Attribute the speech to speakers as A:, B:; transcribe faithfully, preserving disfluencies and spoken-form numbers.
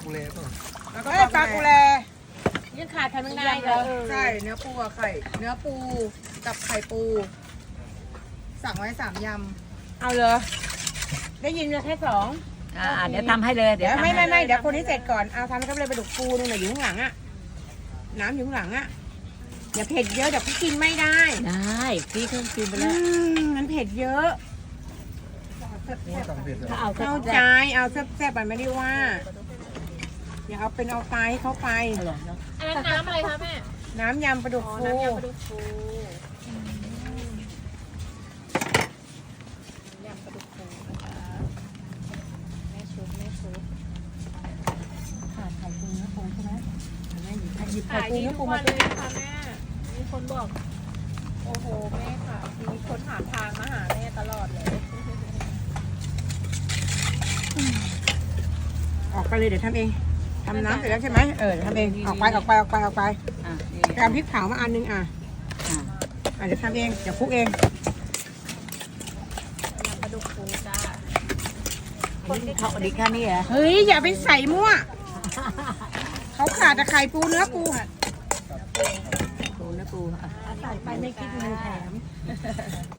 A: กุเลป่ะ
B: แล้วก็ปลากุแล
C: ยังขาดทำไม่ได้เลย
B: ใช่เนื้อปูกับไข่ เนื้อปูกับไข่ปู สั่งไว้สามยำเอาเลย ได้ยินมาแค่สอง
C: อ่าเดี๋ยวทำให้เลย
B: เดี๋ยว
C: ทำ
B: ไม่
C: ให้
B: ไม่ไม่เดี๋ยวคนที่เสร็จก่อนเอาทำกับเลยปลาดุกปูนู่นน่ะอยู่ข้างหลังอะน้ำอยู่ข้างหลังอะอย่าเผ็ดเยอะเดี๋ยวพี่กินไม่ได้
C: ได้พี่เครื่องกินไป
B: อื
C: แล้ว
B: มมันเผ็ดเยอะ
A: สั่งเผ็ดเหรอ
C: ถ้าเอา
B: เข้าใจเอาแซ่บๆไปไม่ได้ว่าอย่าเอาเป็นเอาตายให้เขาไป
C: อร่อยเนาะ
D: อันนั้นน้ำอะไรคะแม่
B: น้ำยำปลาดุก
D: อ๋อ
B: ฟู
D: น้ำยำปลาดุกฟูยำปลาดุกฟูนะคะแม่ชุบแม่ชุบ
B: ขาดไข่ปูเนื้อปูใช่ไหมหยิบไข่
D: ขาย
B: ปู
D: ดี
B: เนื้อ
D: ทุ
B: ปู
D: ก
B: มา
D: วันเลยนะคะแม่ มีคนบอก โอ้โหแม่ค่ะ มีคนถามทางมาหาแม่ตลอดเลย
B: ออกไปเลยเดี๋ยวทำเองทำน้ำเสร็จแล้วใช่ไหมเออเดี๋ยวทำเองออกไปออกไปออกไปออกไป
C: อ่ะนี่
B: ไปเอาพริกเผามาอันนึงอ่ะ
C: อ่ะ
B: อ่ะเดี๋ยวทำเองเดี๋ยวคลุกเอง
D: ยำปลาดุกฟูจ้า
C: อันนี้เขาอันนี้แค่นี้เหรอ
B: เฮ้ยอย่าไปใส่มั่วเขาขาดแต่ไข่ปูเนื้อปู
C: ปูนะปูอ่ะ
B: ใส่ไปไม่คิดเงินแถม